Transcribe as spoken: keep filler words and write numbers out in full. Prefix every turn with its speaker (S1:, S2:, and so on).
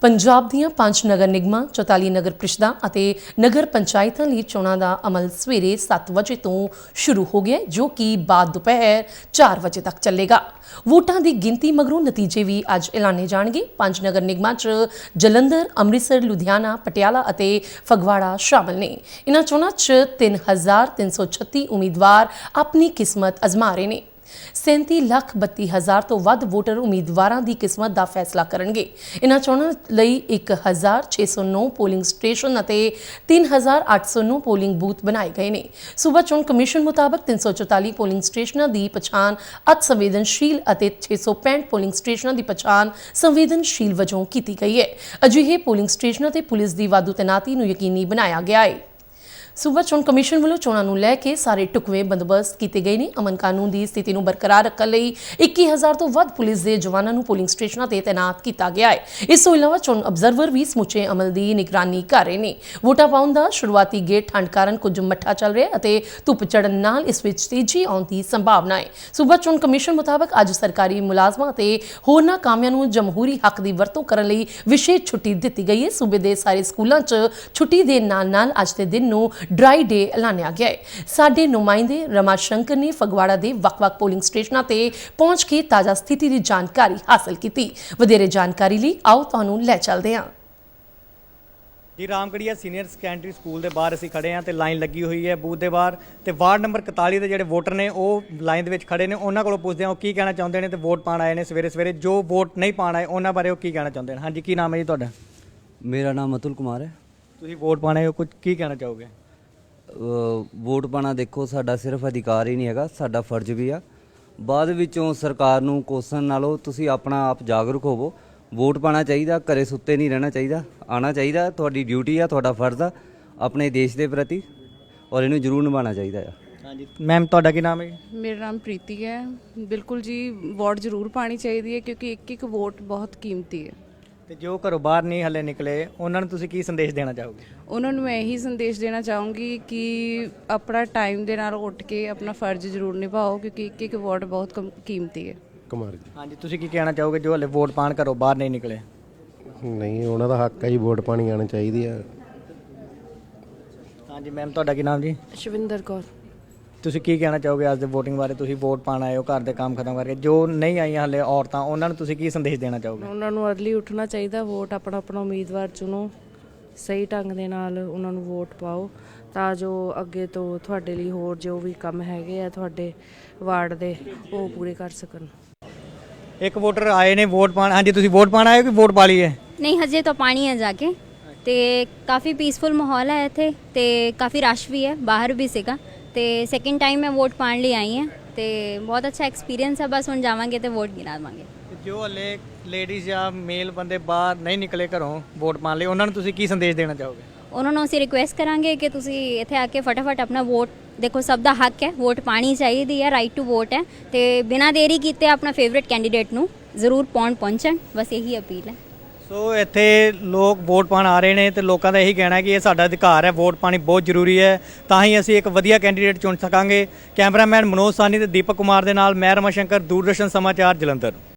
S1: ਪੰਜਾਬ ਦੀਆਂ ਪੰਜ ਨਗਰ ਨਿਗਮਾਂ, ਚੌਤਾਲੀ ਨਗਰ ਪ੍ਰੀਸ਼ਦਾਂ ਅਤੇ ਨਗਰ ਪੰਚਾਇਤਾਂ ਲਈ ਚੋਣਾਂ ਦਾ ਅਮਲ ਸਵੇਰੇ ਸੱਤ ਵਜੇ ਤੋਂ ਸ਼ੁਰੂ ਹੋ ਗਿਆ, ਜੋ ਕਿ ਬਾਅਦ ਦੁਪਹਿਰ ਚਾਰ ਵਜੇ ਤੱਕ ਚੱਲੇਗਾ। ਵੋਟਾਂ ਦੀ ਗਿਣਤੀ ਮਗਰੋਂ ਨਤੀਜੇ ਵੀ ਅੱਜ ਐਲਾਨੇ ਜਾਣਗੇ। ਪੰਜ ਨਗਰ ਨਿਗਮਾਂ 'ਚ ਜਲੰਧਰ, ਅੰਮ੍ਰਿਤਸਰ, ਲੁਧਿਆਣਾ, ਪਟਿਆਲਾ ਅਤੇ ਫਗਵਾੜਾ ਸ਼ਾਮਲ ਨੇ। ਇਨ੍ਹਾਂ ਚੋਣਾਂ 'ਚ ਤਿੰਨ ਹਜ਼ਾਰ ਤਿੰਨ ਸੌ ਛੱਤੀ ਉਮੀਦਵਾਰ ਆਪਣੀ ਕਿਸਮਤ ਅਜ਼ਮਾ ਰਹੇ ਨੇ। ਸੈਂਤੀ ਲੱਖ ਬੱਤੀ ਹਜ਼ਾਰ ਤੋਂ ਵੱਧ ਵੋਟਰ ਉਮੀਦਵਾਰਾਂ ਦੀ ਕਿਸਮਤ ਦਾ ਫੈਸਲਾ ਕਰਨਗੇ। ਇਨ੍ਹਾਂ ਚੋਣਾਂ ਲਈ ਇੱਕ ਹਜ਼ਾਰ ਛੇ ਸੌ ਨੌ ਪੋਲਿੰਗ ਸਟੇਸ਼ਨ ਅਤੇ ਤਿੰਨ ਹਜ਼ਾਰ ਅੱਠ ਸੌ ਨੌ ਪੋਲਿੰਗ ਬੂਥ ਬਣਾਏ ਗਏ ਨੇ। ਸੂਬਾ ਚੋਣ ਕਮਿਸ਼ਨ ਮੁਤਾਬਕ ਤਿੰਨ ਸੌ ਚੌਤਾਲੀ ਪੋਲਿੰਗ ਸਟੇਸ਼ਨਾਂ ਦੀ ਪਛਾਣ ਅਤ ਸੰਵੇਦਨਸ਼ੀਲ ਅਤੇ ਛੇ ਸੌ ਪੈਂਹਠ ਪੋਲਿੰਗ ਸਟੇਸ਼ਨਾਂ ਦੀ ਪਛਾਣ ਸੰਵੇਦਨਸ਼ੀਲ ਵਜੋਂ ਕੀਤੀ ਗਈ ਹੈ। ਅਜਿਹੇ ਪੋਲਿੰਗ ਸਟੇਸ਼ਨਾਂ ਤੇ ਪੁਲਿਸ ਦੀ ਵਾਧੂ ਤੈਨਾਤੀ ਨੂੰ ਯਕੀਨੀ ਬਣਾਇਆ ਗਿਆ ਹੈ। ਸੂਬਾ ਚੋਣ ਕਮਿਸ਼ਨ ਵੱਲੋਂ ਚੋਣਾਂ ਨੂੰ ਲੈ ਕੇ ਸਾਰੇ ਢੁਕਵੇਂ ਬੰਦੋਬਸਤ ਕੀਤੇ ਗਏ ਨੇ। ਅਮਨ ਕਾਨੂੰਨ ਦੀ ਸਥਿਤੀ ਨੂੰ ਬਰਕਰਾਰ ਰੱਖਣ ਲਈ ਇੱਕੀ ਹਜ਼ਾਰ ਤੋਂ ਵੱਧ ਪੁਲਿਸ ਦੇ ਜਵਾਨਾਂ ਨੂੰ ਪੋਲਿੰਗ ਸਟੇਸ਼ਨਾਂ ਤੇ ਤੈਨਾਤ ਕੀਤਾ ਗਿਆ ਹੈ। ਇਸ ਤੋਂ ਇਲਾਵਾ ਚੋਣ ਅਬਜ਼ਰਵਰ ਵੀ ਸਮੁੱਚੇ ਅਮਲ ਦੀ ਨਿਗਰਾਨੀ ਕਰ ਰਹੇ ਨੇ। ਵੋਟਾਂ ਪਾਉਣ ਦਾ ਸ਼ੁਰੂਆਤੀ ਗੇੜ ਠੰਡ ਕਾਰਨ ਕੁਝ ਮੱਠਾ ਚੱਲ ਰਿਹਾ ਅਤੇ ਧੁੱਪ ਚੜ੍ਹਨ ਨਾਲ ਇਸ ਵਿੱਚ ਤੇਜ਼ੀ ਆਉਣ ਦੀ ਸੰਭਾਵਨਾ ਹੈ। ਸੂਬਾ ਚੋਣ ਕਮਿਸ਼ਨ ਮੁਤਾਬਕ ਅੱਜ ਸਰਕਾਰੀ ਮੁਲਾਜ਼ਮਾਂ ਅਤੇ ਹੋਰਨਾਂ ਕਾਮਿਆਂ ਨੂੰ ਜਮਹੂਰੀ ਹੱਕ ਦੀ ਵਰਤੋਂ ਕਰਨ ਲਈ ਵਿਸ਼ੇਸ਼ ਛੁੱਟੀ ਦਿੱਤੀ ਗਈ ਹੈ। ਸੂਬੇ ਦੇ ਸਾਰੇ ਸਕੂਲਾਂ 'ਚ ਛੁੱਟੀ ਦੇ ਨਾਲ ਨਾਲ ਅੱਜ ਦੇ ਦਿਨ ਨੂੰ ਡਰਾਈ ਡੇ ਐਲਾਨਿਆ ਗਿਆ ਹੈ। ਸਾਡੇ ਨੁਮਾਇੰਦੇ ਰਮਾ ਸ਼ੰਕਰ ਨੇ ਫਗਵਾੜਾ ਦੇ ਵੱਖ-ਵੱਖ ਪੋਲਿੰਗ ਸਟੇਸ਼ਨਾਂ ਤੇ ਪਹੁੰਚ ਕੇ ਤਾਜ਼ਾ ਸਥਿਤੀ ਦੀ ਜਾਣਕਾਰੀ ਹਾਸਲ ਕੀਤੀ। ਵਧੇਰੇ ਜਾਣਕਾਰੀ ਲਈ ਆਓ ਤੁਹਾਨੂੰ ਲੈ ਚੱਲਦੇ ਹਾਂ।
S2: ਜੀ ਰਾਮਗੜੀਆ ਸੀਨੀਅਰ ਸੈਕੰਡਰੀ ਸਕੂਲ ਦੇ ਬਾਹਰ ਅਸੀਂ ਖੜੇ ਹਾਂ ਤੇ ਲਾਈਨ ਲੱਗੀ ਹੋਈ ਹੈ ਬੂਥ ਦੇ ਬਾਹਰ, ਤੇ ਵਾਰਡ ਨੰਬਰ ਇਕਤਾਲੀ ਦੇ ਜਿਹੜੇ ਵੋਟਰ ਨੇ ਉਹ ਲਾਈਨ ਦੇ ਵਿੱਚ ਖੜੇ ਨੇ। ਉਹਨਾਂ ਕੋਲੋਂ ਪੁੱਛਦੇ ਹਾਂ ਉਹ ਕੀ ਕਹਿਣਾ ਚਾਹੁੰਦੇ ਨੇ ਤੇ ਵੋਟ ਪਾਉਣ ਆਏ ਨੇ ਸਵੇਰੇ ਸਵੇਰੇ। ਜੋ ਵੋਟ ਨਹੀਂ ਪਾਉਣ ਆਏ ਉਹਨਾਂ ਬਾਰੇ ਉਹ ਕੀ ਕਹਿਣਾ ਚਾਹੁੰਦੇ ਨੇ। ਹਾਂਜੀ, ਕੀ ਨਾਮ ਹੈ ਜੀ ਤੁਹਾਡਾ?
S3: ਮੇਰਾ ਨਾਮ ਅਤੁਲ ਕੁਮਾਰ ਹੈ।
S2: ਤੁਸੀਂ ਵੋਟ ਪਾਉਣ ਆਏ ਹੋ, ਕੁਝ ਕੀ ਕਹਿਣਾ ਚਾਹੋਗੇ?
S3: ਵੋਟ ਪਾਣਾ ਦੇਖੋ ਸਾਡਾ ਸਿਰਫ ਅਧਿਕਾਰ ਹੀ ਨਹੀਂ ਹੈਗਾ, ਸਾਡਾ ਫਰਜ਼ ਵੀ ਆ। ਬਾਅਦ ਵਿੱਚੋਂ ਸਰਕਾਰ ਨੂੰ ਕੋਸਣ ਨਾਲੋਂ ਤੁਸੀਂ ਆਪਣਾ ਆਪ ਜਾਗਰੂਕ ਹੋਵੋ। ਵੋਟ ਪਾਣਾ ਚਾਹੀਦਾ, ਘਰੇ ਸੁੱਤੇ ਨਹੀਂ ਰਹਿਣਾ ਚਾਹੀਦਾ, ਆਉਣਾ ਚਾਹੀਦਾ। ਤੁਹਾਡੀ ਡਿਊਟੀ ਆ, ਤੁਹਾਡਾ ਫਰਜ਼ ਆ ਆਪਣੇ ਦੇਸ਼ ਦੇ ਪ੍ਰਤੀ, ਔਰ ਇਹਨੂੰ ਜ਼ਰੂਰ ਨਿਭਾਉਣਾ ਚਾਹੀਦਾ ਆ।
S2: ਹਾਂਜੀ ਮੈਮ, ਤੁਹਾਡਾ ਕੀ ਨਾਮ ਹੈ?
S4: ਮੇਰਾ ਨਾਮ ਪ੍ਰੀਤੀ ਹੈ। ਬਿਲਕੁਲ ਜੀ, ਵੋਟ ਜ਼ਰੂਰ ਪਾਣੀ ਚਾਹੀਦੀ ਹੈ ਕਿਉਂਕਿ ਇੱਕ ਇੱਕ ਵੋਟ ਬਹੁਤ ਕੀਮਤੀ ਹੈ।
S2: ਤੇ ਜੋ ਘਰੋਂ ਬਾਹਰ ਨਹੀਂ ਹਲੇ ਨਿਕਲੇ ਉਹਨਾਂ ਨੂੰ ਤੁਸੀਂ ਕੀ ਸੰਦੇਸ਼ ਦੇਣਾ ਚਾਹੋਗੇ?
S4: ਉਹਨਾਂ ਨੂੰ ਮੈਂ ਇਹੀ ਸੰਦੇਸ਼ ਦੇਣਾ ਚਾਹੂੰਗੀ ਕਿ ਆਪਣਾ ਟਾਈਮ ਦੇ ਨਾਲ ਉੱਠ ਕੇ ਆਪਣਾ ਫਰਜ਼ ਜ਼ਰੂਰ ਨਿਭਾਓ ਕਿਉਂਕਿ ਇੱਕ ਇੱਕ ਵੋਟ ਬਹੁਤ ਕਮ- ਕੀਮਤੀ ਹੈ।
S5: ਕੁਮਾਰ ਜੀ।
S2: ਹਾਂਜੀ, ਤੁਸੀਂ ਕੀ ਕਹਿਣਾ ਚਾਹੋਗੇ ਜੋ ਹਲੇ ਵੋਟ ਪਾਣ ਘਰੋਂ ਬਾਹਰ ਨਹੀਂ ਨਿਕਲੇ?
S5: ਨਹੀਂ, ਉਹਨਾਂ ਦਾ ਹੱਕ ਹੈ ਜੀ, ਵੋਟ ਪਾਣੀ ਆਉਣੀ ਚਾਹੀਦੀ ਹੈ।
S2: ਹਾਂਜੀ ਮੈਮ, ਤੁਹਾਡਾ ਕੀ ਨਾਮ ਜੀ?
S6: ਸ਼ਵਿੰਦਰ ਕੌਰ।
S2: ਤੁਸੀਂ ਕੀ ਕਹਿਣਾ ਚਾਹੋਗੇ ਅੱਜ ਦੇ ਵੋਟਿੰਗ ਬਾਰੇ? ਤੁਸੀਂ ਵੋਟ ਪਾਣ ਆਏ ਹੋ ਘਰ ਦੇ ਕੰਮ ਖਤਮ ਕਰਕੇ, ਜੋ ਨਹੀਂ ਆਈਆਂ ਹਲੇ ਔਰਤਾਂ, ਉਹਨਾਂ ਨੂੰ ਤੁਸੀਂ ਕੀ ਸੰਦੇਸ਼ ਦੇਣਾ ਚਾਹੋਗੇ?
S6: ਉਹਨਾਂ ਨੂੰ ਅਰਲੀ ਉੱਠਣਾ ਚਾਹੀਦਾ, ਵੋਟ ਆਪਣਾ ਆਪਣਾ ਉਮੀਦਵਾਰ ਚੁਣੋ, ਸਹੀ ਢੰਗ ਦੇ ਨਾਲ ਉਹਨਾਂ ਨੂੰ ਵੋਟ ਪਾਓ ਤਾਂ ਜੋ ਅੱਗੇ ਤੋਂ ਤੁਹਾਡੇ ਲਈ ਹੋਰ ਜੋ ਵੀ ਕੰਮ ਹੈਗੇ ਆ ਤੁਹਾਡੇ ਵਾਰਡ ਦੇ ਉਹ ਪੂਰੇ ਕਰ ਸਕਣ।
S2: ਇੱਕ ਵੋਟਰ ਆਏ ਨੇ ਵੋਟ ਪਾਣ। ਹਾਂਜੀ, ਤੁਸੀਂ ਵੋਟ ਪਾਣ ਆਏ ਹੋ ਕਿ ਵੋਟ ਪਾ ਲਈ ਹੈ?
S7: नहीं हजे तो पानी है जाके ते काफ़ी पीसफुल माहौल है इत्थे ते काफ़ी रश भी है, बाहर भी सीगा ते सैकेंड टाइम मैं वोट पाण ਲਈ आई ਹਾਂ ਤੇ ਬਹੁਤ ਅੱਛਾ ਐਕਸਪੀਰੀਅੰਸ ਹੈ। ਬਸ ਹੁਣ ਜਾਵਾਂਗੇ ਤੇ ਵੋਟ ਗਿਣਾਵਾਂਗੇ।
S2: ਜੋ ਹਲੇ ਲੇਡੀਜ਼ ਜਾਂ ਮੇਲ ਬੰਦੇ ਬਾਹਰ ਨਹੀਂ ਨਿਕਲੇ ਘਰੋਂ ਵੋਟ ਪਾਣ ਲਈ, ਉਹਨਾਂ ਨੂੰ ਤੁਸੀਂ ਕੀ ਸੰਦੇਸ਼ ਦੇਣਾ ਚਾਹੋਗੇ?
S7: ਉਹਨਾਂ ਨੂੰ ਅਸੀਂ ਰਿਕੁਐਸਟ ਕਰਾਂਗੇ ਕਿ ਤੁਸੀਂ ਇੱਥੇ ਆ ਕੇ ਫਟਾਫਟ ਆਪਣਾ ਵੋਟ, ਦੇਖੋ ਸਭ ਦਾ ਹੱਕ ਹੈ, ਵੋਟ ਪਾਣੀ ਚਾਹੀਦੀ ਹੈ, ਰਾਈਟ ਟੂ ਵੋਟ ਹੈ ਤੇ ਬਿਨਾਂ ਦੇਰੀ ਕੀਤੇ ਆਪਣਾ ਫੇਵਰੇਟ ਕੈਂਡੀਡੇਟ ਨੂੰ ਜ਼ਰੂਰ ਪਾਉਣ ਪਹੁੰਚਣ। ਬਸ ਇਹੀ ਅਪੀਲ ਹੈ।
S2: ਸੋ ਇੱਥੇ ਲੋਕ ਵੋਟ ਪਾਣ ਆ ਰਹੇ ਨੇ ਤੇ ਲੋਕਾਂ ਦਾ ਇਹੀ ਕਹਿਣਾ ਹੈ ਕਿ ਇਹ ਸਾਡਾ ਅਧਿਕਾਰ ਹੈ, ਵੋਟ ਪਾਣੀ ਬਹੁਤ ਜ਼ਰੂਰੀ ਹੈ, ਤਾਂ ਹੀ ਅਸੀਂ ਇੱਕ ਵਧੀਆ ਕੈਂਡੀਡੇਟ ਚੁਣ ਸਕਾਂਗੇ। ਕੈਮਰਾਮੈਨ ਮਨੋਜ ਸਾਨੀ ਤੇ ਦੀਪਕ ਕੁਮਾਰ ਦੇ ਨਾਲ ਮੈਂ ਰਮਾ ਸ਼ੰਕਰ, ਦੂਰਦਰਸ਼ਨ ਸਮਾਚਾਰ, ਜਲੰਧਰ।